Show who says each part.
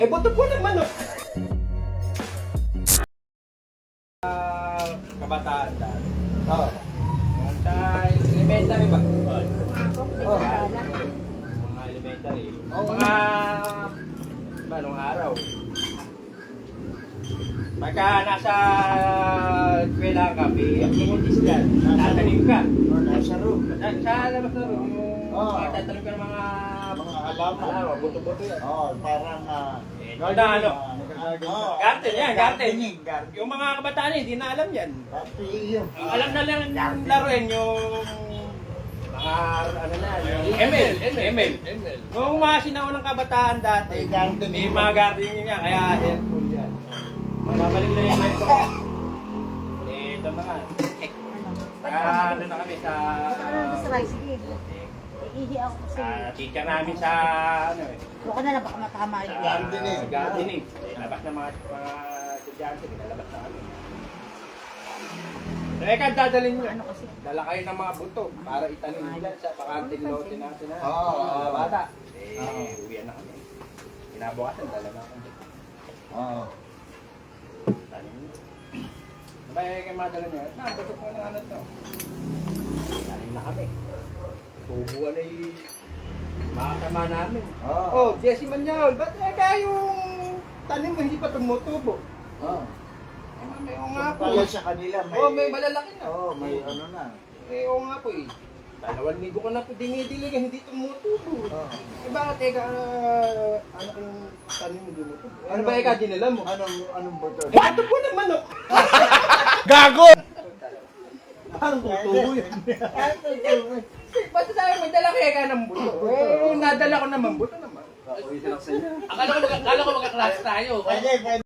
Speaker 1: Eh, buto po ng manok. Kabataan dahil.
Speaker 2: Oo.
Speaker 1: Sa elementary ba?
Speaker 2: Oh.
Speaker 1: Mga elementary.
Speaker 2: Oo.
Speaker 1: Mga anong araw. Pagka nasa eskwela ka, may activities dyan. Tatanim ka.
Speaker 2: Nasa room.
Speaker 1: Sa labas na room, yung
Speaker 2: Oo.
Speaker 1: tatanim ka ng mga
Speaker 2: halaman.
Speaker 1: buto-buto yan.
Speaker 2: Oo, parang
Speaker 1: Yung na ano, garden yan, garden.
Speaker 2: Garden.
Speaker 1: Yung mga kabataan hindi na alam yan.
Speaker 2: Garden.
Speaker 1: Ang alam na lang yung laruin yung mga ano na, yung ML. Nung mga sinaon ng kabataan dati,
Speaker 2: May garden.
Speaker 1: may mga garden nga, kaya helpful yan. Mababalik na yung kwento. Ito na nga. Ano na kami sa...
Speaker 3: Sige. Ihi ako kasi.
Speaker 1: teacher namin sa ano eh.
Speaker 3: Huwag ka na lang baka matama yun.
Speaker 2: Gardening.
Speaker 1: Gardening. Labas na mga estudyante, pinalabas na kami. Teka, dadalhin nyo.
Speaker 3: Ano kasi?
Speaker 1: Dala kayo ng mga buto para itanim dyan sa pakanting lote natin ha.
Speaker 2: Oo.
Speaker 1: Mga bata.
Speaker 2: Oo.
Speaker 1: Uwian na kami. Kinabukasan, dala na kami.
Speaker 2: Oo.
Speaker 1: Tanim nyo. Sabay kayo madala nyo. Buto ko ng ano to. Tanim na kami. Tubuan ay makakama namin.
Speaker 2: Oo.
Speaker 1: Oh, Jesse Manyol, ba't yung tanim mo hindi pa tumutubo?
Speaker 2: Oo.
Speaker 1: Eh, oo nga po.
Speaker 2: Pala sa kanila may...
Speaker 1: Oh, may malalaki na.
Speaker 2: Oo, may ano na.
Speaker 1: Eh, oo nga po eh. 2 linggo ko na po dinidilig, hindi tumutubo.
Speaker 2: Oo.
Speaker 1: Eh, bakit ano kung tanim mo tumutubo? Ano ba eka dinala mo?
Speaker 2: Anong buto?
Speaker 1: Eh, ito po ng manok.
Speaker 2: Anong tutubo yun?
Speaker 1: Basta tayo may dala kaya ka ng buto. Eh, nadala ko naman buto naman.
Speaker 4: Akala ko magkaklase tayo.
Speaker 2: Pwede, pwede.